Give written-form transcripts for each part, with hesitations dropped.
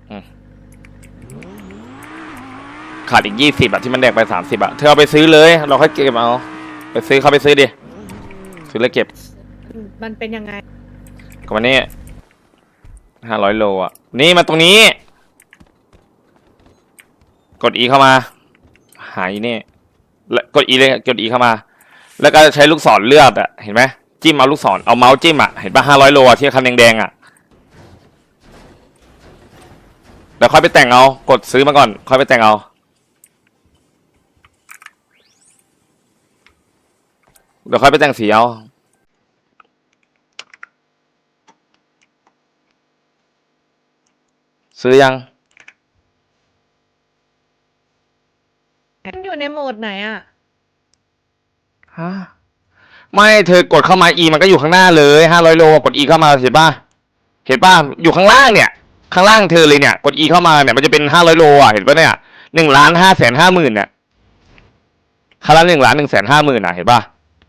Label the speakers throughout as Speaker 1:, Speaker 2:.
Speaker 1: ขาดอีก20อะที่มันแดกไป30อะเธอเอาไปซื้อเลยเราค่อยเก็บเอาไปซื้อเขาไปซื้อดิซื้อแล้วเก็บ
Speaker 2: มันเป็นยังไง
Speaker 1: ก็วันนี้500 โลอะนี่มาตรงนี้กด E เข้ามาหายนี่แล้วกด E เลยกด E เข้ามาแล้วก็ใช้ลูกศรเลือดอะเห็นไหมจิ้มเอาลูกศรเอาเมาส์จิ้มอะเห็นป่ะ500 โลอะที่คันแดงๆอะเดี๋ยวค่อยไปแต่งเอากดซื้อมาก่อนค่อยไปแต่งเอาเดี๋ยวค่อยไปแต่งสีเอาซื้อยัง
Speaker 2: มันอยู่ในโหมดไหนอะ
Speaker 1: ฮะไม่เธอกดเข้ามา E มันก็อยู่ข้างหน้าเลย500 โลกด E เข้ามาเห็นป่ะเห็นป่ะอยู่ข้างล่างเนี่ยข้างล่างเธอเลยเนี่ยกด E เข้ามาเนี่ยมันจะเป็น500 โลอ่ะเห็นป่ะเนี่ย1,550,000เนี่ยคันละ1,150,000อ่ะเห็นป่ะ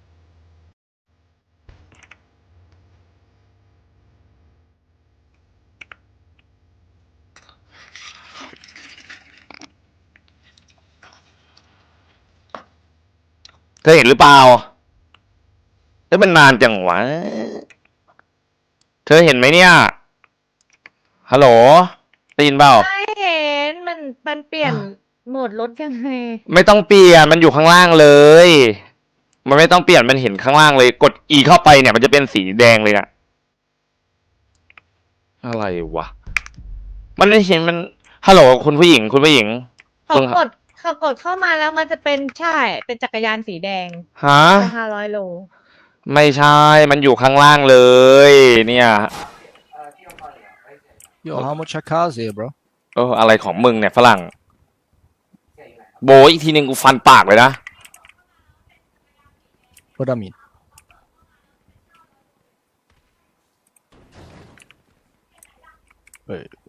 Speaker 1: เธอเห็นหรือเปล่าแล้วมันนานจังวะเธอเห็นไหมเนี่ยฮัลโหลได้ยินเปล่า
Speaker 2: ไม่เห็นมันเปลี่ยนโหมดรถยังไง
Speaker 1: ไม่ต้องเปลี่ยนมันอยู่ข้างล่างเลยมันไม่ต้องเปลี่ยนมันเห็นข้างล่างเลยกด E เข้าไปเนี่ยมันจะเป็นสีแดงเลยอะอะไรวะมันไม่เห็นมันฮัลโหลคุณผู้หญิง
Speaker 2: เขากดเข้ามาแล้วมันจะเป็นใช่เป็นจักรยานสีแดง
Speaker 1: ฮะ
Speaker 2: 500 โล
Speaker 1: ไม่ใช่มันอยู่ข้างล่างเลยเนี่ย
Speaker 3: Yo how much are cars here bro
Speaker 1: อะไรของมึงเนี่ยฝรั่งโบอีกทีนึงกูฟันปากเลยนะ
Speaker 3: What do I mean Wait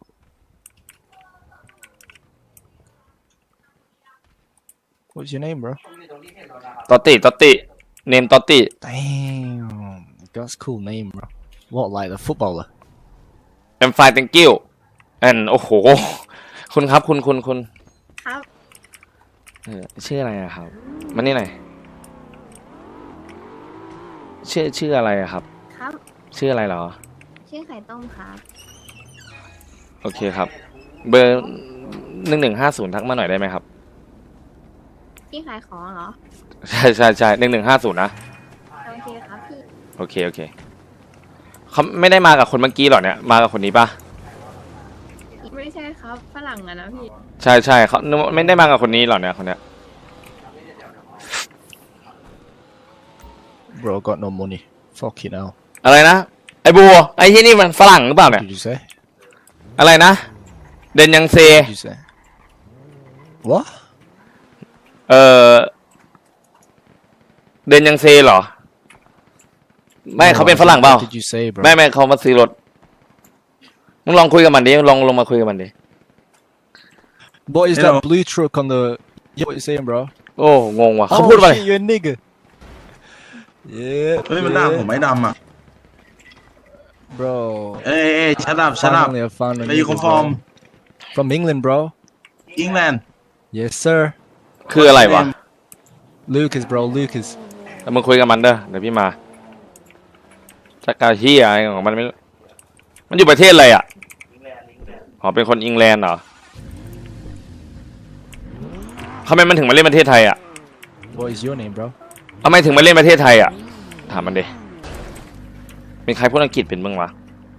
Speaker 3: What's your name bro
Speaker 1: ตอติเนมตอติ
Speaker 3: Damn that's cool name bro What like the footballer
Speaker 1: I'm fine thank you and โอ้โหคุณครับคุณ
Speaker 2: ครับ
Speaker 1: ชื่ออะไรอะครับมันนี่หน่อยชื่ออะไรอะครับ
Speaker 2: ครับ
Speaker 1: ชื่ออะไรเหรอ
Speaker 2: ชื่อไข่ต้มครับ
Speaker 1: โอเคครับเบอร์1150ทักมาหน่อยได้ไหมครับ
Speaker 2: พี่ขายของเหรอ
Speaker 1: ใช่1150นะ
Speaker 2: โอเคครับพี่
Speaker 1: โอเคเขาไม่ได้มากับคนเมื่อกี้หรอเนี่ยมากับคนนี้ปะ
Speaker 2: ไม่ใช่ครับฝรั่งอะนะพี่
Speaker 1: ใช่เขาไม่ได้มากับคนนี้หรอเนี่ยคนเนี้ย
Speaker 3: Bro got no money fucking hell
Speaker 1: อะไรนะไอ้บัวไอ้ที่นี่มันฝรั่งหรือเปล่าเนี่ย
Speaker 3: Did you say
Speaker 1: อะไรนะเดนยังเซ
Speaker 3: Did you say What
Speaker 1: เดนยังเซเหรอไม่เขาเป็นฝรั่งเปล่าไม่เขามาซื้อรถมึงลองคุยกับมันดิลงมาคุยกับมันดิ
Speaker 3: What is that blue truck on the Yo what you saying bro
Speaker 1: โอ้งงว่ะเขาพูดว่าอะไร
Speaker 3: you're a nigga Yeah
Speaker 4: เฮ้ยมันด่าผมไม่ดำอ่ะ
Speaker 3: Bro
Speaker 4: เอ้ยชัดอัพ
Speaker 3: Finally I found a
Speaker 4: Where you come from
Speaker 3: From England bro
Speaker 4: England
Speaker 3: Yes sir
Speaker 1: คืออะไรวะ
Speaker 3: Lucas bro Lucas
Speaker 1: แล้วมึงคุยกับมันเด้อเดี๋ยวพี่มาจักรเฮียอะไรของมันไม่มันอยู่ประเทศอะไรอ่ะอ๋อเป็นคนอังกฤษเหรอทำไมมันถึงมาเล่นประเทศไทยอ่ะ
Speaker 3: What is your name bro
Speaker 1: ทำไมถึงมาเล่นประเทศไทยอ่ะถามมันดิมีใครพูดอังกฤษเป็นบ้างวะ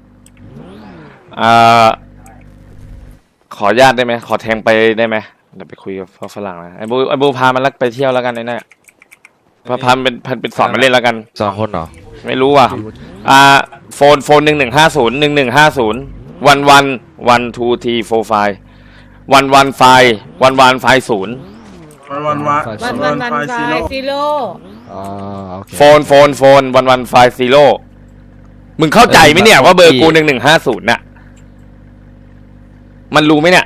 Speaker 1: ขออนุญาตได้ไหมขอแทงไปได้ไหมเดี๋ยวไปคุยกับฝรั่งนะไอ้บูพามันไปเที่ยวแล้วกันไอ้เนี่ยพาเป็นสอนมาเล่นแล้วกัน
Speaker 5: 2 คนเหรอ
Speaker 1: ไม่รู้ว่ะโฟน1150วัน2 3 4 5วันไฟ0
Speaker 4: วัน
Speaker 2: ไฟซีโร่
Speaker 1: โฟนวันไฟซีโร่มึงเข้าใจไหมเนี่ยว่าเบอร์กู1150น่ะมันรู้ไหมเนี่ย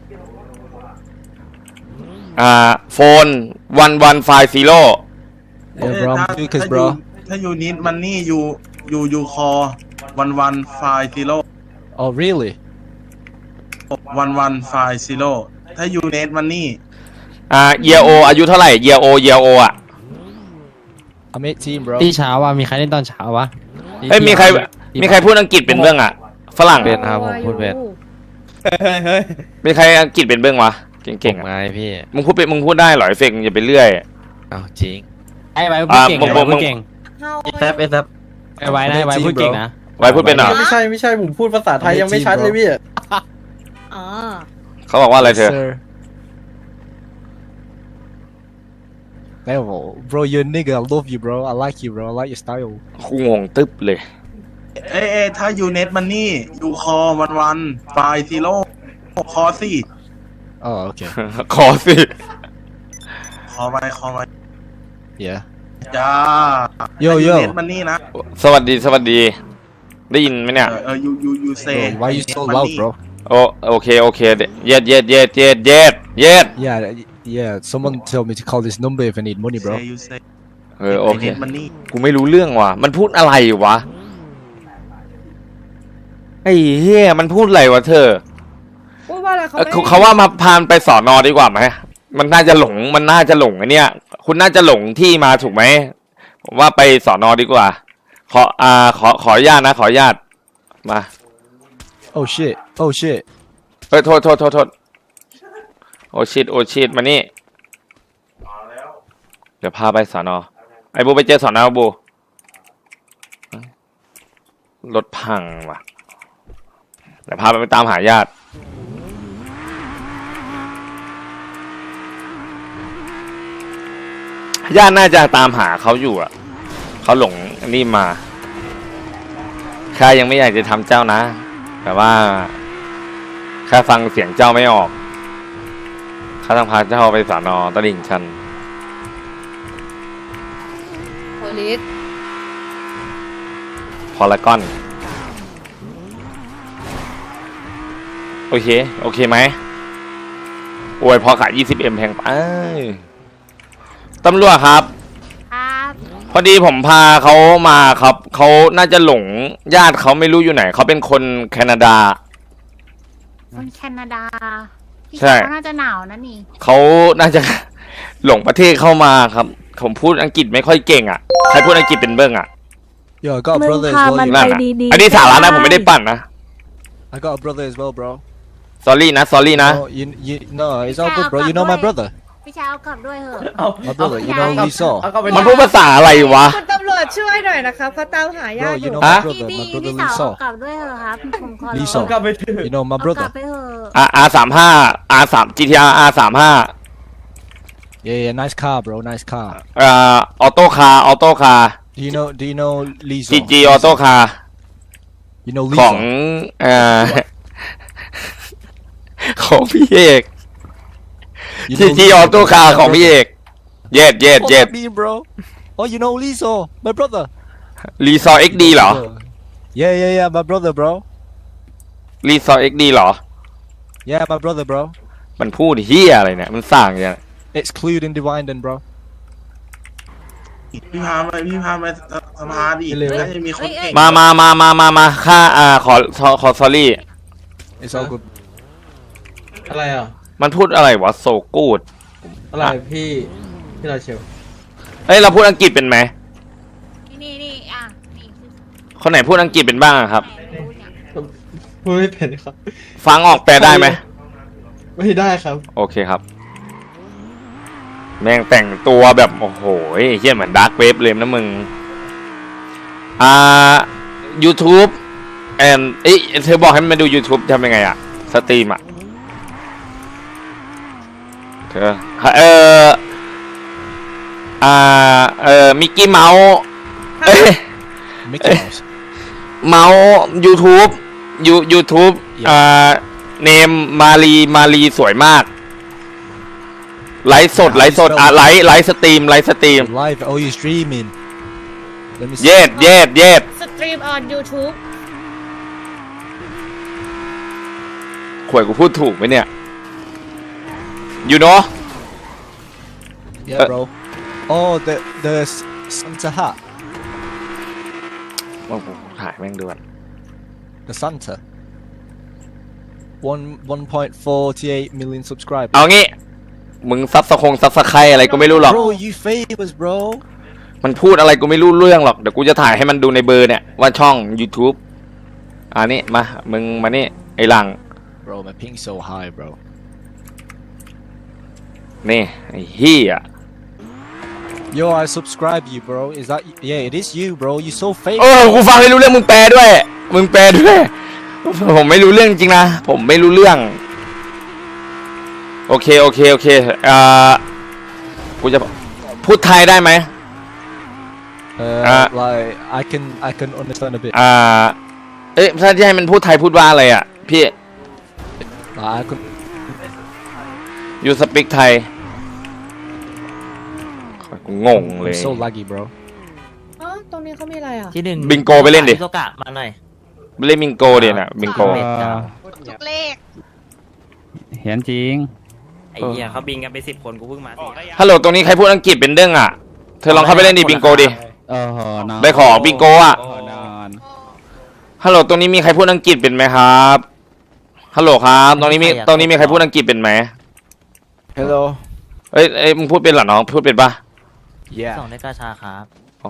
Speaker 1: โฟนวันไฟซีโร่
Speaker 3: Lucas bro
Speaker 4: ถ้าอยู่นิดมันนี่อยู่คอวันไฟซีโร่
Speaker 3: Oh really
Speaker 4: 1150ถ้ายูเนสมันนี่
Speaker 1: เยโออายุเท่าไหร่เยโออ่ะ
Speaker 3: I'm 18 bro
Speaker 5: ที่เช้าว่ะมีใครเล่นตอนเช้าวะ
Speaker 1: เอ้ยมีใครพูดอังกฤษเป็นเบื้องอ่ะฝรั่ง
Speaker 5: เป็นครับผมพูดเป็น
Speaker 1: มีใครอังกฤษเป็นเบื้องวะเก่งๆ
Speaker 5: ไง
Speaker 1: อ่ะ
Speaker 5: พี่
Speaker 1: มึงพูดได้เหรอไอ้เฟกมึงอย่าไปเรื่อย
Speaker 5: อ้าวจริงไอ้ไว้พูดเก่ง
Speaker 1: มึง
Speaker 5: ไอ้ไว้พูดเก่ง
Speaker 2: เฮา
Speaker 5: ไอ้ไว้นะไอ้ไว้พูดเก่งนะ
Speaker 1: ไว้พูดเป็นเหรอ
Speaker 6: ไม่ใช่ผมพูดภาษาไทยยังไม่ชัดเลยพี่
Speaker 2: อ๋อ
Speaker 1: เขาบอกว่าอะไรเธอ
Speaker 3: Sir. Hey, bro, you're a nigga. I love you, bro. I like you, bro. I like your style.
Speaker 1: กูงงตึ๊บเลย
Speaker 4: ถ้ายูเนสมันนี่ยูคอวันไฟซีโร่คอสี่
Speaker 3: Oh, okay.
Speaker 1: ขอสิ
Speaker 4: คอไว้
Speaker 3: Yeah.
Speaker 4: จ้า
Speaker 3: Yo,
Speaker 4: ถ้า
Speaker 3: yo.
Speaker 4: ยูเนสมันนี่นะ
Speaker 1: สวัสดี ได้ยินไหมเนี่ย
Speaker 4: ยูเซ
Speaker 3: Bro, why you so loud, bro?
Speaker 1: โอเคเย็ด
Speaker 3: Yeah. Someone tell me to call this number if I need money, bro.
Speaker 4: ยูเซ
Speaker 1: โอเค
Speaker 4: มันนี่
Speaker 1: กูไม่รู้เรื่องว่ะมันพูดอะไรวะไอ้เหี้ยมันพูดอะไรวะเธอ
Speaker 2: พูดว่าอะไร
Speaker 1: เขาว่ามาพานไปสอนอดีกว่าไหมมันน่าจะหลงไอ้เนี่ยคุณน่าจะหลงที่มาถูกไหมผมว่าไปสอนอดีกว่าขออนุญาตนะขออนุญาตมา
Speaker 3: Oh shit. Oh shit.
Speaker 1: เฮ้ยโทษโอชิดมานี่เดี๋ยวพาไปสอนอไอ้บูไปเจอสอนอบูรถพังว่ะเดี๋ยวพาไปตามหาญาติญาติน่าจะตามหาเขาอยู่อ่ะเขาหลงอันนี้มาข้ายังไม่อยากจะทำเจ้านะแต่ว่าข้าฟังเสียงเจ้าไม่ออกข้าต้องพาเจ้าไปสอนอตลิ่งชัน
Speaker 2: โพลิส
Speaker 1: พอลากอนโอเคไหมโอ้ยพอขาย 20M แพงไปตำรวจครับ
Speaker 2: ครับ
Speaker 1: พอดีผมพาเขามาครับเขาน่าจะหลงญาติเขาไม่รู้อยู่ไหนเขาเป็นคนแคนาดา
Speaker 7: คนแคนาดาพี่
Speaker 1: ใช่
Speaker 7: เขาน่าจะหนาวนะนี่
Speaker 1: เขาน่าจะ หลงประเทศเข้ามาครับผมพูดอังกฤษไม่ค่อยเก่งอ่ะใครพูดอังกฤษเป็นเบิ้งอ่ะ
Speaker 3: Yo, I got a brother as
Speaker 7: พา
Speaker 3: well.
Speaker 7: มัน
Speaker 3: You
Speaker 1: นั่น
Speaker 3: know.
Speaker 1: อ่ะอันนี้สาระนะผมไม่ได้ปั่นนะ
Speaker 3: I got a brother as well, bro.
Speaker 1: สอรี่นะ
Speaker 3: No, no, it's all good, bro. You know my brother.
Speaker 7: พี่ชายเอากลับด้วยเหอะ
Speaker 3: My brother. You know Lisa.
Speaker 1: มันพูดภาษาอะไรวะ
Speaker 2: คุณตำรวจช่วยหน่อยนะครับเขาตามหาญา
Speaker 3: Bro,
Speaker 2: ติอ
Speaker 3: you
Speaker 2: ยู่
Speaker 3: know my
Speaker 1: Huh?
Speaker 3: brother.
Speaker 7: พี่
Speaker 3: My
Speaker 7: พี่
Speaker 3: brother
Speaker 7: สาวเอา
Speaker 3: Lisa.
Speaker 7: กลับด้วยเหอะครับผมขอร้อง
Speaker 3: Lisa.
Speaker 6: กลับไปเถอะ
Speaker 3: You know my
Speaker 7: เอากลับ
Speaker 3: brother.
Speaker 7: ไปเหอะ
Speaker 1: R35 GTR R35
Speaker 3: Yeah, nice car, bro. Nice car.
Speaker 1: ออโต้คาร์
Speaker 3: Do you know Lisa?
Speaker 1: GG ออโต้คาร์
Speaker 3: You know
Speaker 1: ของ
Speaker 3: Lisa.
Speaker 1: ของพี่เอก
Speaker 3: You
Speaker 1: จี
Speaker 3: know
Speaker 1: จี
Speaker 3: Lisa,
Speaker 1: ออโต้คาร์
Speaker 3: my
Speaker 1: ของพี่เอ
Speaker 3: brother.
Speaker 1: ก เย็ด
Speaker 3: What that mean, bro? Oh, you know Lisa, my brother.
Speaker 1: รีซอร์ XD เหรอ
Speaker 3: Yeah, my brother, bro.
Speaker 1: รีซอร์ XD เหรอ
Speaker 3: Yeah, my brother, bro.
Speaker 1: มันพูดเฮียอะไรเนี่ย มันสั่งอย่าง
Speaker 3: Excluding Divine, bro.
Speaker 4: พี่พาไปสภาดิ
Speaker 3: เร็วๆ
Speaker 4: น่าจะมีคนเก่ง
Speaker 1: มาค่าขอ sorry
Speaker 3: It's all good.
Speaker 6: อะไรอ่ะ
Speaker 1: มันพูดอะไรวะโซกูด
Speaker 6: อะไรพี่ราเชล
Speaker 1: เฮ้ยเราพูดอังกฤษเป็นไหม
Speaker 7: นี่อ่ะนี่
Speaker 1: คนไหนพูดอังกฤษเป็นบ้างอะครับ
Speaker 7: รู้เนี่ย
Speaker 6: พูดไม่เป็นครับ
Speaker 1: ฟังออกแปลได้ไหม
Speaker 6: ไม่ได้ครับ
Speaker 1: โอเคครับ แม่งแต่งตัวแบบโอ้โหเฮี้ยเหมือนดาร์กเวฟเลยนะมึงYouTube เธอบอกให้มันมาดู YouTube ทำยังไงอะสตรีมอะเธอมิกกี้เมาส์
Speaker 3: Mickey Mouse.
Speaker 1: เมาส์ YouTube YouTube เนมมารีสวยมากไลฟ์สดไลฟ์สตรีม
Speaker 3: Live. Oh, you streaming? Let me see.
Speaker 1: เย็ด
Speaker 2: สตรีมออน YouTube
Speaker 1: ขวยกูพูดถูกไหมเนี่ย you know
Speaker 3: Yeah, bro. Oh, the Santa hat.
Speaker 1: ว่ากูถ่ายแม่งด้วย
Speaker 3: The Santa. 1.48 million subscribers.
Speaker 1: เอางี้ มึงซับสไครอะไรก็ไม่รู้หรอก
Speaker 3: Bro, you famous, bro.
Speaker 1: มันพูดอะไรกูไม่รู้เรื่องหรอก เดี๋ยวกูจะถ่ายให้มันดูในเบอร์เนี่ย ว่าช่อง YouTube นี่มา มึงมานี่ ไอ้หลัง
Speaker 3: Bro, my ping so high, bro.
Speaker 1: นี่ ไอ้เฮีย
Speaker 3: Yo, I subscribe you, bro. Is that? Yeah, it is you, bro. You so
Speaker 1: เอ
Speaker 3: famous.
Speaker 1: อ กูฟังไม่รู้เรื่องมึงแปลด้วย มึงแปลด้วย ผมไม่รู้เรื่องจริงนะ ผมไม่รู้เรื่อง โอเคกูจะพูดไทยได้ไหม
Speaker 3: Like I can understand a bit.
Speaker 1: เอ๊ะถ้าจะให้มันพูดไทยพูดว่าอะไรอ่ะ พี่
Speaker 3: I can.
Speaker 1: you speak ไทยกูงงเลย
Speaker 3: I'm so laggy, bro.
Speaker 2: อ๋อตรงนี้เขามีอะไรอ่ะ
Speaker 5: ที่หนึ่ง
Speaker 1: บิงโกไปเล่นดิ
Speaker 5: โซกะมาหน่อย
Speaker 1: เล่นบิงโกเดี๋ยวนะบิงโก
Speaker 2: ทุกเลข
Speaker 8: เห็นจริง
Speaker 5: ไอ้เหี้ยเขาบิงกันไป10 คนกูเพิ่งมาสิ
Speaker 1: ฮัลโหลตรงนี้ใครพูดอังกฤษเป็นเด้งอ่ะ เธอลองเข้าไปเล่นดิบิงโกดิ
Speaker 8: โอ้โหนอน
Speaker 1: ไปขอบิงโกอ่ะ
Speaker 8: โอ้โหนอน
Speaker 1: ฮัลโหลตรงนี้มีใครพูดอังกฤษเป็นไหมครับ ฮัลโหลครับ ตรงนี้มีใครพูดอังกฤษเป็นไหม
Speaker 3: Hello.
Speaker 1: เอ้ยมึงพูดเป็นเหรอน้อง พูดเป็นปะ
Speaker 3: Yeah.
Speaker 5: ส่งได้กาชาครับ
Speaker 1: อ๋อ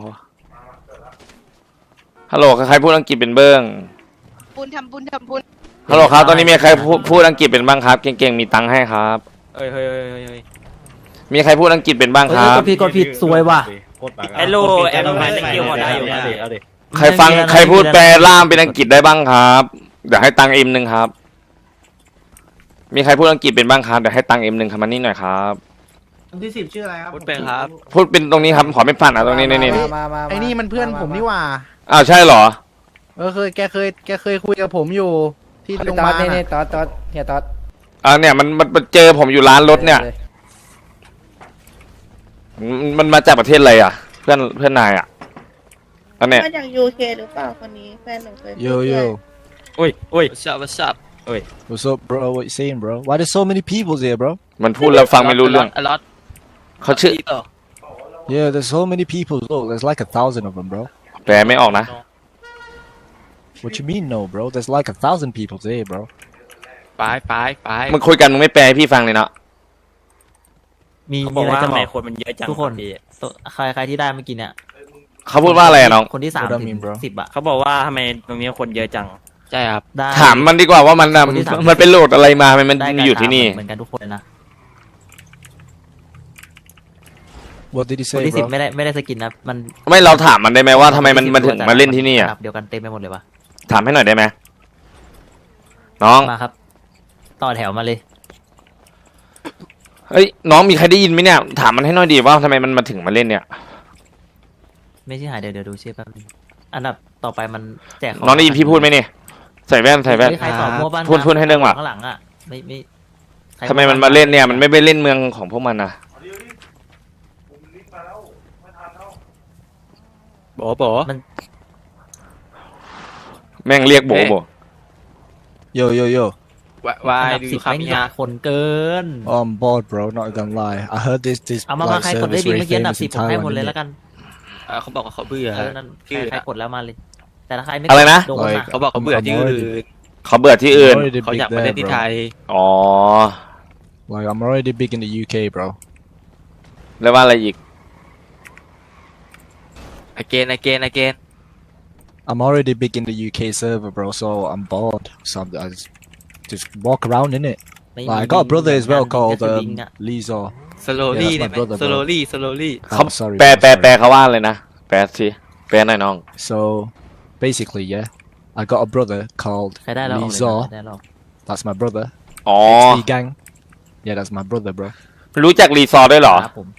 Speaker 1: ฮัลโหลใครพูดอังกฤษเป็นเบิ้ง
Speaker 2: บุญทำบุญ
Speaker 1: ฮัลโหลครับ ตอนนี้มีใครพูดอังกฤษเป็นบ้างครับ เก่งๆ มีตังค์ให้ครับ
Speaker 5: เฮ้ย
Speaker 1: มีใครพูดอังกฤษเป็นบ้างครับ
Speaker 5: กดผิดซวยว่ะ
Speaker 9: ไอ้โลแอมไพสกิลพอได้อยู่นะ
Speaker 1: ใครพูดแปลล่ามเป็นอังกฤษได้บ้างครับเดี๋ยวให้ตังค์เอ็มหนึ่งครับ มีใครพูดอังกฤษเป็นบ้างครับเดี๋ยวให้ตังค์เอ็มหนึ่งครับมานี่หน่อยครับ
Speaker 4: คนที่10ชื่ออะไรครับ
Speaker 9: พูดเป็นครับ
Speaker 1: พูดเป็นตรงนี้ครับขอไม่ฝันอ่ะตรงนี้นี่
Speaker 6: ไอ้นี่มันเพื่อนผมนี่หว่า
Speaker 1: อ้าวใช่เหรอ
Speaker 6: แกเคยคุยกับผมอยู่ที่โรงพยาบาลนี่ตอดเฮียตอด
Speaker 1: เนี่ยมันเจอผมอยู่ร้านรถเนี่ยมันมาจากประเทศอะไรอ่ะ เพื่อนนายอ่ะอันเนี้ย
Speaker 2: มาจาก UK หรือเปล่าคนนี้แฟนหนูเคย
Speaker 3: Yo, yo.
Speaker 9: อุ้ย what's up
Speaker 3: What's up, bro? What you saying, bro? Why there's so many people here, bro?
Speaker 1: มันพูดแล้วฟังไม่รู้เรื่อง
Speaker 9: a lot
Speaker 1: เขาชื่อ
Speaker 3: Yeah, there's so many people. Look, there's like 1,000 of them, bro.
Speaker 1: แปลไม่ออกนะ
Speaker 3: What you mean, no, bro? There's like 1,000 people here, bro.
Speaker 9: ไป
Speaker 1: มึงคุยกันมึงไม่แปลให้พี่ฟังเลยเนาะ
Speaker 5: มี
Speaker 9: เขาบ
Speaker 5: มี
Speaker 9: อก
Speaker 5: อะไร
Speaker 9: ว่า
Speaker 5: จะ
Speaker 9: ทำ
Speaker 5: บ
Speaker 9: ไม
Speaker 5: อก
Speaker 9: คนมันเยอะจัง
Speaker 5: ทุกคน
Speaker 9: พี่
Speaker 5: ใครที่ได้เมื่อกี้เนี่ย
Speaker 1: เขาพูดว่าอะไรอะน้อง
Speaker 5: คนที่3
Speaker 3: What I
Speaker 5: ถึ
Speaker 3: mean,
Speaker 5: ง
Speaker 3: bro?
Speaker 5: 10 อ่ะ
Speaker 9: เขาบอกว่าทำไมตรงนี้คนเยอะจัง ใช่ครับ
Speaker 5: ได้
Speaker 1: ถามมันดีกว่าว่ามัน
Speaker 5: คนที่สาม
Speaker 1: มันเป็นโหลดอะไรมามัน
Speaker 5: ได้
Speaker 1: อยู่ที่นี่
Speaker 5: เหมือนกันทุกคนเลยนะ
Speaker 3: What did he
Speaker 5: คน
Speaker 3: say,
Speaker 5: ที่
Speaker 3: bro?
Speaker 5: 10ไม่ได้สกินนะมัน
Speaker 1: ไม่เราถามมันได้ไหมว่าทำไมมันถึงมาเล่นที่นี่อ่ะ
Speaker 5: เดียวกันเต็มไปหมดเลยวะ
Speaker 1: ถามให้หน่อยได้ไหมน้อง
Speaker 5: มาครับ ต่อแถวมาเลย
Speaker 1: เฮ้ยน้องมีใครได้ยินไหมเนี่ยถามมันให้หน่อยดีว่าทำไมมันมาถึงมาเล่นเนี่ย
Speaker 5: ไม่ใช่หายเดี๋ยวดูชื่อแป๊บนึงอันดับต่อไปมันแจกข
Speaker 1: น้องได้ยินพี่พูดไหมเนี่ยใส่แว่น
Speaker 5: ใครตอบมั่วบ้าน
Speaker 1: พูดให้เรื่องว่ะ
Speaker 5: ข้างหลังอ่ะไม่ใคร
Speaker 1: ทำไมมันมาเล่นเนี่ยมันไม่ไปเล่นเมืองของพวกมันนะ
Speaker 9: โบ
Speaker 1: แม่งเรียกโบโบ
Speaker 3: Yo, yo, yo.
Speaker 9: วาย
Speaker 5: อันดับ
Speaker 9: ดู
Speaker 5: 10
Speaker 9: ครับ
Speaker 5: ไม่มี
Speaker 9: เนี่ย
Speaker 5: คนเกิน
Speaker 3: Oh, I'm bored, bro. Not gonna lie. I heard this
Speaker 5: เอามา
Speaker 3: like
Speaker 5: ใครกดได้
Speaker 3: service
Speaker 5: ดี
Speaker 3: very
Speaker 5: เมื่อกี้อันดับ
Speaker 3: famous in
Speaker 5: 10ผมให้หมด
Speaker 3: Thailand.
Speaker 5: เลย
Speaker 3: innit?
Speaker 5: แล้วกัน
Speaker 9: เขาบอกว่าเขาเบื่อ
Speaker 5: นั่น
Speaker 9: ชื่อ
Speaker 5: ใครกดแล้วมาเลย แต่ถ้าใครไม่
Speaker 1: อะไรนะ
Speaker 5: โดนนะ
Speaker 9: เขาบอกเขาเบื่อที่อื่น
Speaker 1: เขาเบื่อที่อื่น
Speaker 3: I'm already
Speaker 9: เขา
Speaker 3: big
Speaker 9: อยากมา
Speaker 3: there,
Speaker 9: เล่นที่
Speaker 3: bro.
Speaker 9: ไทย
Speaker 1: อ๋อ
Speaker 3: Like I'm already big in the UK, bro.
Speaker 1: แล้วว่าอะไรอีก
Speaker 9: again
Speaker 3: I'm already big in the UK server, bro. So I'm bored. So I just walk around in it.
Speaker 5: ไม่
Speaker 3: Like, I got a brother as well
Speaker 5: มี
Speaker 3: called
Speaker 5: แค่สวิงอะ
Speaker 3: Lizor.
Speaker 9: slowly
Speaker 3: Yeah, that's my
Speaker 9: เนี่ย
Speaker 3: brother, bro.
Speaker 9: slowly
Speaker 3: Oh, sorry.
Speaker 1: แปล
Speaker 3: bro, sorry.
Speaker 1: เขาว่าเลยนะแปลสิแปลหน่อยน้อง
Speaker 3: So basically, yeah, I got a brother called
Speaker 5: ใครได้แล้วออกเลยนะ
Speaker 3: Lizor.
Speaker 5: ใครได้แล้วออก
Speaker 3: That's my brother.
Speaker 1: อ๋อ
Speaker 3: XD gang. Yeah, that's my brother, bro.
Speaker 1: รู้จักรีซอร์ด้วยเหรอ
Speaker 5: ครับผม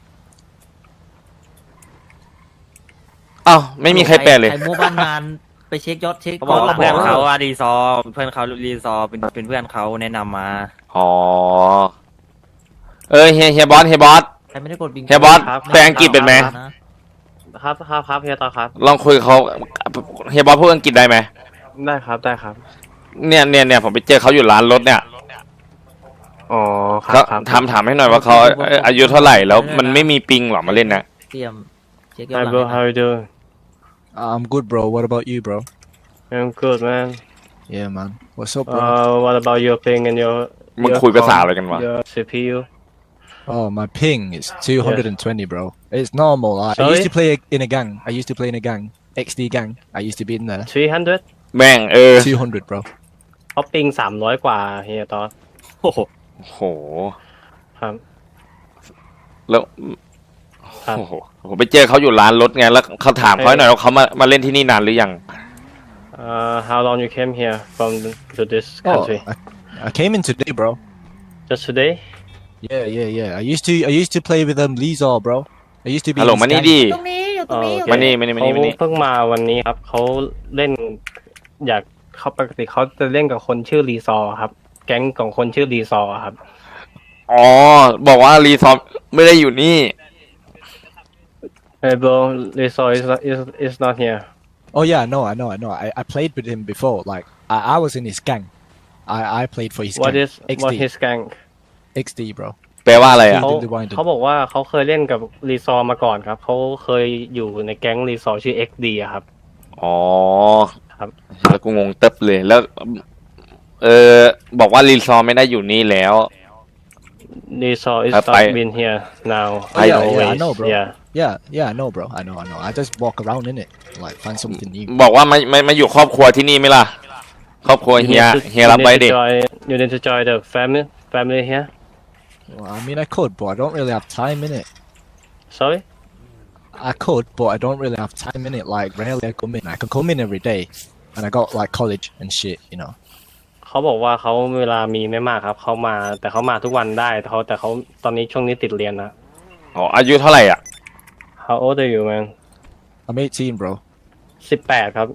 Speaker 1: อ้าวไม่มีใครแปลเลย
Speaker 5: ใครมั่วบ้านงานไปเช็คยอดเช็ค
Speaker 9: เขาบอกว่า
Speaker 5: ก่
Speaker 9: เพื่อน
Speaker 5: น
Speaker 9: เขาอะรีซอร์เพื่อนเขารีซอร์เป็นเพื่อนเขาแนะนำมา
Speaker 1: อ๋อเฮียบอส
Speaker 5: ใครไม่ได้กดบิง
Speaker 1: เฮียบอสแปลอังกฤษเป็นไหม
Speaker 9: ครับเฮียต่อครับ
Speaker 1: ลองคุยกับเขาเฮียบอสพูดอังกฤษได้ไหม
Speaker 9: ได้ครับ
Speaker 1: เนี่ยผมไปเจอเขาอยู่ร้านรถเนี่ย
Speaker 9: อ๋อ
Speaker 1: เขาถามให้หน่อยว่าเขาอายุเท่าไหร่แล้วมันไม่มีปิงหรอมาเล่นนะ
Speaker 5: เตรียมเช็คยอดหลัง
Speaker 9: you doing
Speaker 3: I'm good, bro. What about you, bro?
Speaker 9: I'm good man
Speaker 3: Yeah, man. What's up, bro?
Speaker 9: What about your ping and your
Speaker 1: มึงคุยภาษาอะไรกันวะ
Speaker 9: your CPU
Speaker 3: Oh, my ping is 220, bro. It's normal. I
Speaker 9: Sorry?
Speaker 3: used to play in a gang. I used to play in a gang. XD gang. I used to be in there.
Speaker 9: 300
Speaker 1: แม่ง
Speaker 3: 200, bro.
Speaker 9: เขาปิง300 กว่าเฮียตอนโอ้โห
Speaker 1: โห
Speaker 9: ครับ
Speaker 1: แล้ว
Speaker 9: ครับ
Speaker 1: โอ้โหผมไปเจอเขาอยู่ร้านรถไงแล้วเขาถามเขาหน่อยว่าเขามาเล่นที่นี่นานหรือยัง
Speaker 9: how long you came here from to this
Speaker 3: Oh,
Speaker 9: country
Speaker 3: I came in today, bro.
Speaker 9: just today
Speaker 3: Yeah. I used to play with Lizor, bro. I used to be
Speaker 1: ฮัลโหล
Speaker 3: in his
Speaker 1: มานี่
Speaker 3: gang.
Speaker 1: ดิ
Speaker 2: ตรงนี้อยู่ตรงนี้อยู่
Speaker 1: มานี่มานี่มา
Speaker 9: เขา
Speaker 1: นี่มานี่
Speaker 9: เพิ่งมาวันนี้ครับเขาเล่นอยากเขาปกติเขาจะเล่นกับคนชื่อรีซอร์ครับ แก๊งของคนชื่อรีซอร์ครับ
Speaker 1: อ๋อ บอกว่ารีซอมไม่ได้อยู่นี่
Speaker 9: Hey bro, Lizor is not here.
Speaker 3: Oh yeah, I know. I played with him before. Like I was in his gang. I played for his
Speaker 9: What
Speaker 3: gang.
Speaker 9: is what his gang?
Speaker 3: XD, bro.
Speaker 1: แปลว่าอะไรอ่ะ
Speaker 9: เขาบอกว่าเขาเคยเล่นกับรีซอร์มาก่อนครับเขาเคยอยู่ในแก๊งรีซอร์ชื่อ XD อะครับ
Speaker 1: อ๋อ
Speaker 9: ครับ
Speaker 1: แล้วกูงงเต็บเลยแล้ว บอกว่ารีซอมไม่ได้อยู่นี่แล้ว
Speaker 9: Lizor is
Speaker 1: ไป
Speaker 9: not been here now.
Speaker 3: Oh, yeah,
Speaker 9: always.
Speaker 3: I know, bro.
Speaker 9: Yeah.
Speaker 3: Yeah, I know, bro. I know. I just walk around in it, like find something new.
Speaker 1: บอกว่ามาอยู่ครอบครัวที่นี่ไหมล่ะ ครอบครัวเฮียรับไว้ดิ
Speaker 9: You need to join the family here.
Speaker 3: Well, I mean, I could, but I don't really have time in it.
Speaker 9: Sorry.
Speaker 3: I could, but I don't really have time in it. Like, rarely I come in. I can come in every day, and I got like college and shit, you know.
Speaker 9: เขาบอกว่าเขาเวลามีไม่มากครับเขามาแต่เขามาทุกวันได้แต่เขาตอนนี้ช่วงนี้ติดเรียนนะ
Speaker 1: อ๋อ อายุเท่าไหร่อ่ะ
Speaker 9: How old are you man?
Speaker 3: I'm 18, bro.
Speaker 9: 18 ครับ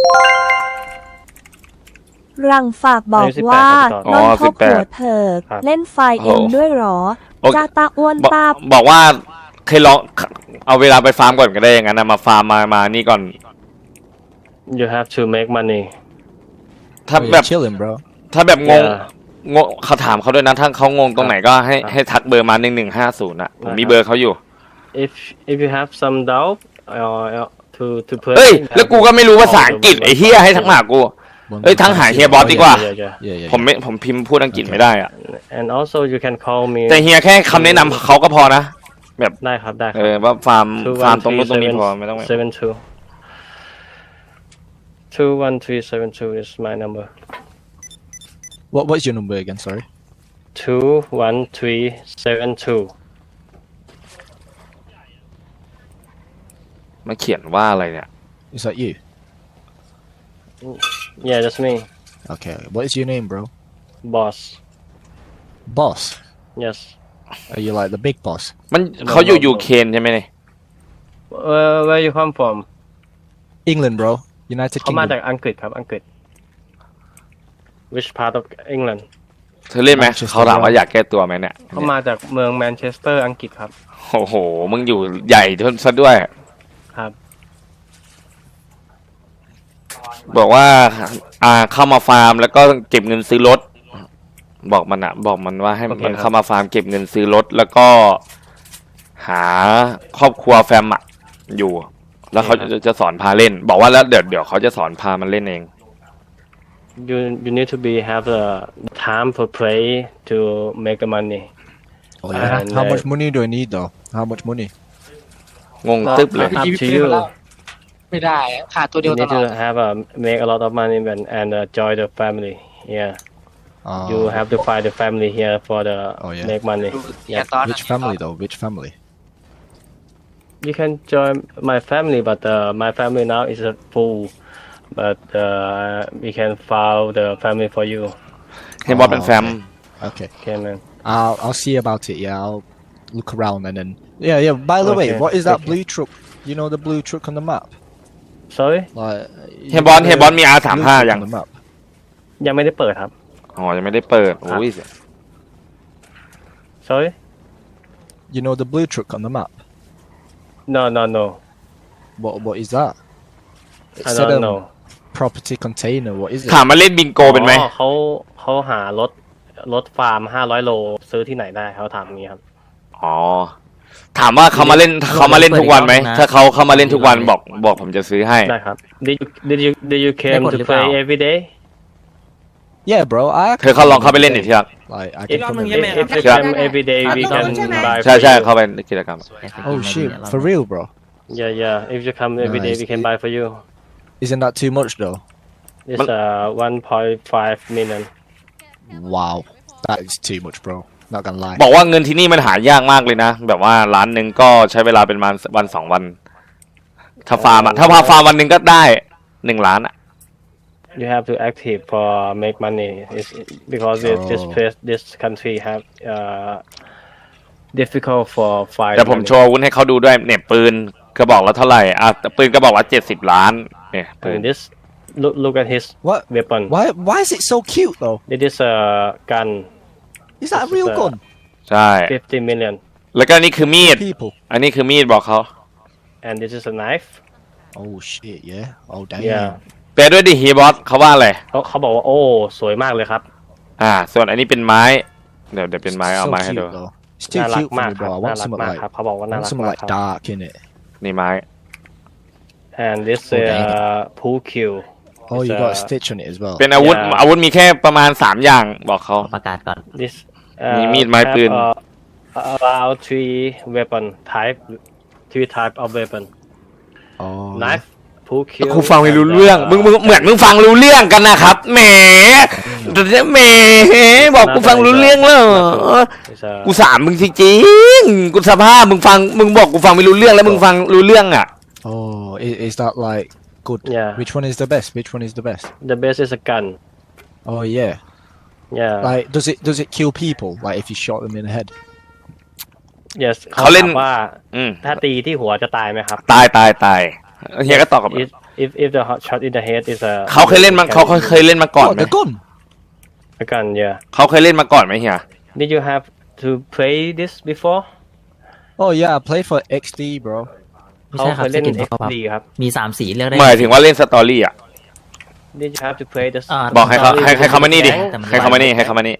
Speaker 7: รังฝากบอกว่า
Speaker 1: อ๋
Speaker 7: น
Speaker 1: อ
Speaker 7: นทบหัว
Speaker 1: 18
Speaker 7: เถิก
Speaker 9: ครับ
Speaker 7: เล่นไฟเองด้วยเหรอ
Speaker 1: โอเค
Speaker 7: จ้าตาอ้วนตา
Speaker 1: บอกว่าเคยลองเอาเวลาไปฟาร์มก่อนก็ได้อย่างนั้นนะมาฟาร์มมานี่ก่อน
Speaker 9: You have to make money.
Speaker 1: ถ้า
Speaker 3: Oh,
Speaker 1: แบ
Speaker 3: you're
Speaker 1: บ
Speaker 3: chilling, bro.
Speaker 1: ถ้าแบบงง
Speaker 9: Yeah.
Speaker 1: เขาถามเขาด้วยนะถ้าเขางงตรงไหนก็ให้
Speaker 9: ครับ
Speaker 1: ให้ทักเบอร์มา1150อ่ะผมมี
Speaker 9: ครับ
Speaker 1: เบอร์เขาอยู่
Speaker 9: If you have some doubt to put
Speaker 1: เฮ้ย แล้วกูก็ไม่รู้ภาษาอังกฤษไอ้เฮียให้ทักมาหากู เอ้ยทั้งหาเฮียบอสดีกว่า
Speaker 3: Yeah.
Speaker 1: ผมพิมพ์พูดอังกฤษไม่ได้อ่ะ
Speaker 9: And also you can call me
Speaker 1: แต่เฮียแค่คำแนะนำเขาก็พอนะ แบบ
Speaker 9: ได้ครับได้ค
Speaker 1: เอ
Speaker 9: รับ
Speaker 1: อว่าฟาร์มตรงนู้นตรงนี้พอไม่ต้อง
Speaker 9: 21372 is my number.
Speaker 3: What's your number again? Sorry.
Speaker 9: 21372.
Speaker 1: มันเขียนว่าอะไรเนี่ย
Speaker 3: Is that you?
Speaker 9: Yeah, that's me.
Speaker 3: Okay. What is your name, bro?
Speaker 9: Boss.
Speaker 3: Boss.
Speaker 9: Yes.
Speaker 3: Are you like the big boss?
Speaker 1: มันเขาอยู่ยูเคนใช่ไหมเนี่ย
Speaker 9: Where you come from?
Speaker 3: England, bro. United
Speaker 9: เขามาจาก
Speaker 3: Kingdom.
Speaker 9: อังกฤษครับอังกฤษ Which part of England?
Speaker 1: เธอเล่นไหม
Speaker 3: Manchester
Speaker 1: เขาถามว่าอยากแก้ตัวไหมเนี่ย
Speaker 9: เขามาจากเมืองแมนเชสเตอร์อังกฤษครับ
Speaker 1: โอ้โห มึงอยู่ใหญ่ซะด้วย
Speaker 9: ครับ
Speaker 1: บอกว่าเข้ามาฟาร์มแล้วก็เก็บเงินซื้อรถ บอกมันว่าให้
Speaker 9: โอเค
Speaker 1: มัน
Speaker 9: ครับ
Speaker 1: เข้ามาฟาร์มเก็บเงินซื้อรถแล้วก็หาครอบครัวแฟมอยู่ แล้วเขาจะสอนพาเล่น บอกว่าแล้วเดี๋ยวเขาจะสอนพามันเล่นเอง
Speaker 9: You need to have the time for play to make the money.
Speaker 3: Oh yeah.
Speaker 9: And,
Speaker 3: How much money do I need though? How much money?
Speaker 1: งงตึ๊บเลย
Speaker 9: Up to you.
Speaker 6: ไม่ได้ขาดตัวเดีย
Speaker 9: You
Speaker 6: วต
Speaker 9: need
Speaker 6: ลอ
Speaker 9: to
Speaker 6: ด
Speaker 9: have make a lot of money and join the family. Yeah.
Speaker 3: Oh,
Speaker 9: You have to find the family here for the
Speaker 3: Oh, yeah.
Speaker 9: make money.
Speaker 6: อย่า
Speaker 9: Yeah.
Speaker 6: ตอน
Speaker 3: which family though? Which family?
Speaker 9: You can join my family, but my family now is full. But we can file the family for you.
Speaker 1: ให้บอสเป็นแฟม
Speaker 3: Okay.
Speaker 9: Okay, man.
Speaker 3: I'll see about it. Yeah, I'll look around and then. Yeah. By the way,
Speaker 9: Okay,
Speaker 3: what is that
Speaker 9: okay.
Speaker 3: blue truck? You know the blue truck on the map?
Speaker 9: Sorry?
Speaker 3: Like.
Speaker 1: เฮียบอสมี
Speaker 3: blue
Speaker 1: R35
Speaker 3: truck
Speaker 1: ยัง
Speaker 3: on the map.
Speaker 9: ยังไม่ได้เปิดครับ
Speaker 1: อ๋อยังไม่ได้เปิดโอ้ย
Speaker 9: Sorry?
Speaker 3: You know the blue truck on the map?
Speaker 9: No.
Speaker 3: What is that? It
Speaker 9: I
Speaker 3: said,
Speaker 9: don't know.
Speaker 3: property container. What is it?
Speaker 1: ถามมาเล่นบิงโกเป็นไหม
Speaker 9: อ๋อเขาหารถฟาร์ม500 โลซื้อที่ไหนได้เขาถามงี้ครับ
Speaker 1: อ๋อ ถามว่าเขามาเล่นทุกวันไหม ถ้าเขามาเล่นทุกวันบอกผมจะซื้อให้
Speaker 9: ได้ครับ Did you came to play every day
Speaker 3: Yeah, bro. I
Speaker 1: เธอเขาลองเข้าไปเล่นดิที่รัก
Speaker 3: like I
Speaker 9: If,
Speaker 3: can come and
Speaker 9: if,
Speaker 3: play.
Speaker 9: if you come every day, we can buy
Speaker 1: ใช่
Speaker 9: for
Speaker 1: ใช่
Speaker 9: you.
Speaker 1: เข้าไปในกิจกรรม
Speaker 3: Oh shit, for real, bro.
Speaker 9: Yeah. If you come every day,
Speaker 3: Nice.
Speaker 9: we can buy for you.
Speaker 3: Isn't that too much though?
Speaker 9: It's 1.5 million.
Speaker 3: Wow, that is too much, bro. Not gonna lie.
Speaker 1: บอกว่าเงินที่นี่มันหายากมากเลยนะ แบบว่าล้านหนึ่งก็ใช้เวลาเป็นวันสองวัน ถ้าฟาร์มอะถ้าพาฟาร์มวันหนึ่งก็ได้1 ล้านอะ
Speaker 9: You have to active for make money. It's because this country have difficult for find
Speaker 1: เดี๋ยวผม
Speaker 9: money.
Speaker 1: โชว์อาวุธให้เขาดูด้วยเนี่ยปืนกระบอกละเท่าไหร่อ่ะปืนกระบอกละ70 ล้านเนี่ยปืน
Speaker 9: And this look at his
Speaker 3: What?
Speaker 9: weapon.
Speaker 3: Why is it so cute though?
Speaker 9: It is a gun.
Speaker 3: Is that a
Speaker 9: This
Speaker 3: real
Speaker 9: is
Speaker 3: gun?
Speaker 1: ใช่
Speaker 9: 50 million.
Speaker 1: แล้วก็นี่คือมีด
Speaker 3: People.
Speaker 1: อันนี้คือมีดบอกเขา
Speaker 9: And this is a knife.
Speaker 3: Oh shit, yeah. Oh damn.
Speaker 9: Yeah.
Speaker 1: แปลด้วยดิฮีบอสเขาว่าอะไร
Speaker 9: เขาบอกว่าโอ้สวยมากเลยครับ
Speaker 1: ส่วนอันนี้เป็นไม้ เดี๋ยวเป็นไม้เอา
Speaker 3: So
Speaker 1: ไม้ให้
Speaker 3: cute
Speaker 1: ดู
Speaker 3: though. It's too
Speaker 9: น่ารัก
Speaker 3: cute for
Speaker 9: มาก
Speaker 3: me,
Speaker 9: ครับ
Speaker 3: bro. I
Speaker 9: น่า
Speaker 3: want
Speaker 9: รัก
Speaker 3: something
Speaker 9: มาก
Speaker 3: like
Speaker 9: ครับเขาบอกว่าน่ารัก
Speaker 3: something
Speaker 9: มาก
Speaker 3: like
Speaker 9: ครับ
Speaker 3: dark in it.
Speaker 1: นี่ไม้
Speaker 9: And this pool cue.
Speaker 3: Oh,
Speaker 9: It's
Speaker 3: you got a
Speaker 9: a-
Speaker 3: stitch on it as well.
Speaker 1: เป็นอาวุธ
Speaker 9: Yeah.
Speaker 1: อาวุธมีแค่ประมาณ3 อย่างบอกเขา
Speaker 5: ประกาศก่อน
Speaker 9: This
Speaker 1: มีมีดไม้ปืน
Speaker 9: about three type of weapon.
Speaker 3: Oh.
Speaker 9: Knife, pool cue.
Speaker 1: กูฟังไม่รู้เรื่อง มึงเหมือนมึงฟังรู้เรื่องกันนะครับแหมบอกกูฟังรู้เรื่องแล้ว
Speaker 9: It's a
Speaker 1: กูสามมึงจริงๆกูสภาพมึงบอกกูฟังไม่รู้เรื่องแล้วมึงฟังรู้เรื่องอ่ะ
Speaker 3: Oh, is that like good?
Speaker 9: Yeah.
Speaker 3: Which one is the best? Which one is the best?
Speaker 9: the best is a gun.
Speaker 3: Oh yeah.
Speaker 9: Yeah.
Speaker 3: Like, does it kill people? Like, if you shot them in the head?
Speaker 9: Yes.
Speaker 1: เขาเล่น
Speaker 9: ถามว่า
Speaker 1: อืม
Speaker 9: ถ้าตีที่หัวจะตายไหมครับ
Speaker 1: ตายเฮียก็ตอบกับ
Speaker 9: If the shot in the head is a
Speaker 1: เขาเคยเล่นมาก่อน
Speaker 3: Oh,
Speaker 1: ไหม
Speaker 3: the gun.
Speaker 9: a gun. Yeah.
Speaker 1: เขาเคยเล่นมาก่อนไหมเฮีย
Speaker 9: Did you have to play this before?
Speaker 3: Oh yeah, I play for XD, bro.
Speaker 5: ไม่
Speaker 9: เขา
Speaker 5: ใช่ค
Speaker 9: เครับ ย
Speaker 5: ส
Speaker 9: เล่น
Speaker 5: กินเขาครับ
Speaker 9: XD ครับ
Speaker 5: มี3 สีเลือกได้
Speaker 1: หมายถึงว่าเล่นสตอรี่อ่ะ
Speaker 9: Did you have to play this?
Speaker 1: บอกให้เขาให้เขามานี่ดิ
Speaker 5: แต่มัน
Speaker 1: ให้เขามานี่ให้เขามานี่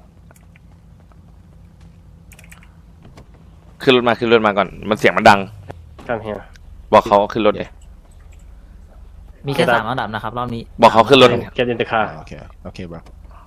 Speaker 1: ขึ้นรถมาก่อนมันเสียงมันดัง
Speaker 9: Come here.
Speaker 1: บอกเขาขึ้นรถเลย
Speaker 5: มีแค่3 อันดับนะครับรอบนี้
Speaker 1: บอกเขาขึ้นรถ
Speaker 9: Get in the car.
Speaker 3: Oh, okay, bro.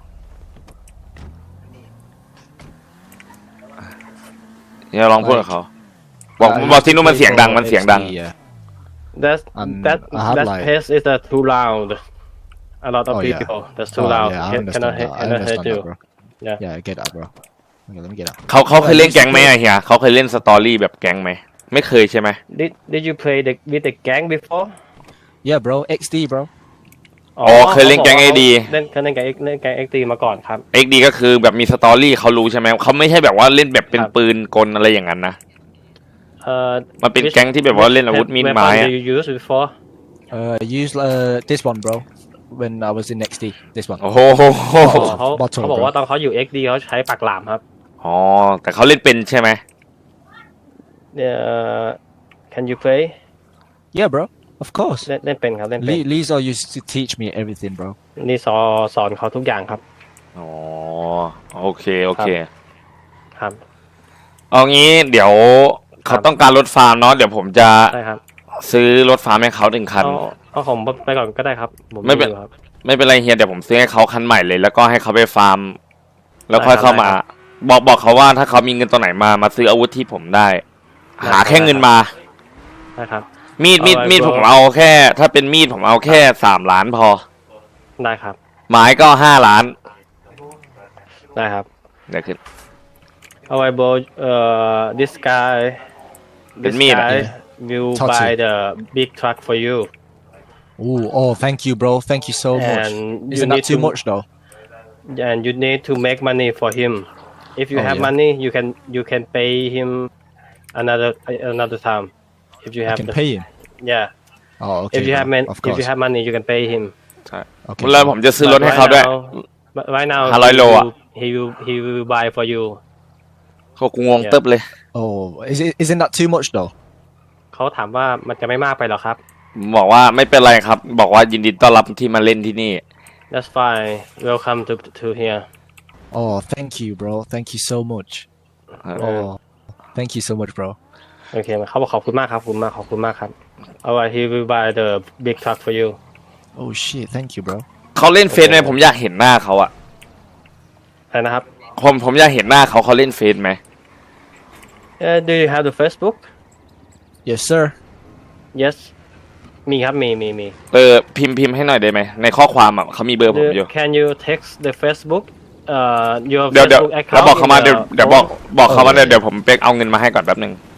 Speaker 1: อย่าลองพูดกับเขาบอกที่นู่นมันเสียงดัง
Speaker 3: XD, yeah.
Speaker 9: That
Speaker 3: I have
Speaker 9: that
Speaker 3: like-
Speaker 9: pace is too loud. A lot of
Speaker 3: Oh, yeah.
Speaker 9: people. That's too
Speaker 3: Oh,
Speaker 9: loud.
Speaker 3: yeah, I
Speaker 9: Cannot
Speaker 3: understand that. I
Speaker 9: cannot hear
Speaker 3: understand
Speaker 9: you.
Speaker 3: that, bro.
Speaker 9: Yeah.
Speaker 3: Yeah, I get that, bro. Okay, let me get that.
Speaker 1: เขาเคยเล่นแก๊งไหมอะเฮียเขาเคยเล่นสตอรี่แบบแก๊งไหมไม่เคยใช่ไหม
Speaker 9: Did you play with the gang before?
Speaker 3: Yeah, bro. XD, bro.
Speaker 1: อ๋อเคยเล่นแก๊ง AD
Speaker 9: เล่นแก๊ง XD มาก่อนครับ
Speaker 1: XD ก็คือแบบมีสตอรี่เขารู้ใช่ไหมเขาไม่ใช่แบบว่าเล่นแบบเป็นปืนกลอะไรอย่างนั้นนะ มันเป็นแก๊งที่แบบว่าเล่นอาวุธมีดไม้อะ
Speaker 9: Did you use before?
Speaker 3: I used this one, bro. When I was in XD, this one.
Speaker 1: โอ้โห
Speaker 9: เขาบอกว่าตอนเขาอยู่ XD เขาใช้ปากหลามครับ
Speaker 1: อ๋อแต่เขาเล่นเป็นใช่ไหม
Speaker 9: Can you play?
Speaker 3: Yeah, bro. Of course.
Speaker 9: เล่นเป็นครับเล่นเป็น
Speaker 3: Lisa used to teach me everything, bro.
Speaker 9: นี่สอนเขาทุกอย่างครับ
Speaker 1: อ๋อโอเค
Speaker 9: ครับ
Speaker 1: เอางี้เดี๋ยวเขาต้องการรถฟาร์มเนาะเดี๋ยวผมจะ
Speaker 9: ได้ครับ
Speaker 1: ซื้อรถฟาร์มให้เขา1 คัน
Speaker 9: เอาของไปก่อนก็ได้ครับผม
Speaker 1: ไม่เป็น
Speaker 9: อยู่ครับ
Speaker 1: ไม่เป็นไรเฮียเดี๋ยวผมซื้อให้เขาคันใหม่เลย แล้วก็ให้เขาไปฟาร์ม แล้วค่อย
Speaker 9: ได้ครับ
Speaker 1: เข้ามา บอกเขาว่าถ้าเขามีเงินตัวไหนมาซื้ออาวุธที่ผมได้ หาแค่เงินมา
Speaker 9: ได้ครับ
Speaker 1: มีดผมเอาแค่ ถ้าเป็นมีดผมเอาแค่3 ล้านพอ
Speaker 9: ได้ครับ
Speaker 1: ไม้ก็5 ล้าน
Speaker 9: ได้ครับ
Speaker 1: เดี๋ยวขึ้น
Speaker 9: เอาไว้โบthis guy
Speaker 1: เป็นมีดอะ
Speaker 9: will
Speaker 3: Touch
Speaker 9: buy
Speaker 3: it.
Speaker 9: the big truck for you
Speaker 3: Ooh, oh, thank you, bro. Thank you so much.
Speaker 9: And you
Speaker 3: Isn't that
Speaker 9: need
Speaker 3: too
Speaker 9: to-
Speaker 3: much, though?
Speaker 9: and you need to make money for him if you
Speaker 3: Oh,
Speaker 9: have
Speaker 3: yeah.
Speaker 9: money you can pay him another time if you
Speaker 3: I
Speaker 9: have
Speaker 3: can
Speaker 9: the
Speaker 3: pay him.
Speaker 9: yeah
Speaker 3: Oh, okay.
Speaker 9: if you have
Speaker 3: bro. Of
Speaker 9: if
Speaker 3: course.
Speaker 9: you have money you can pay him
Speaker 1: ใช่
Speaker 3: Okay.
Speaker 1: แล้วผมจะซื้อรถให้เขาด้วย
Speaker 9: But right now
Speaker 1: 500โลอะ
Speaker 9: he will buy for you
Speaker 1: เขากูงงเติบเลย
Speaker 3: Oh, isn't that too much, though?
Speaker 9: เขาถามว่ามันจะไม่มากไปหรอครับ
Speaker 1: บอกว่าไม่เป็นไรครับ บอกว่ายินดีต้อนรับที่มาเล่นที่นี่
Speaker 9: That's fine welcome to here
Speaker 3: Oh, thank you, bro. Thank you so much. Oh, thank you so much, bro.
Speaker 9: โอเคเขาบอกขอบคุณมากครับขอบคุณมากครับ alright he will buy the big truck for you
Speaker 3: Oh shit, thank you, bro.
Speaker 1: เขาเล่นเฟซไหมผมอยากเห็นหน้าเขาอะ
Speaker 9: อะไรนะครับ
Speaker 1: ผมอยากเห็นหน้าเขาเล่นเฟซไหม
Speaker 9: Do you have the Facebook
Speaker 3: Yes, sir.
Speaker 9: Yes มีครับมี
Speaker 1: พิมพ์ให้หน่อยได้ไหมในข้อความอะเขามีเบอร์ผมอยู่
Speaker 9: Can you text the Facebook your
Speaker 1: เดี๋ยว
Speaker 9: Facebook account
Speaker 1: แล้วบอกเขามา
Speaker 9: in the
Speaker 1: เดี๋ยวบอกเขามาเดี๋ยวผมเป๊กเอาเงินมาให้ก่อนแป๊บนึง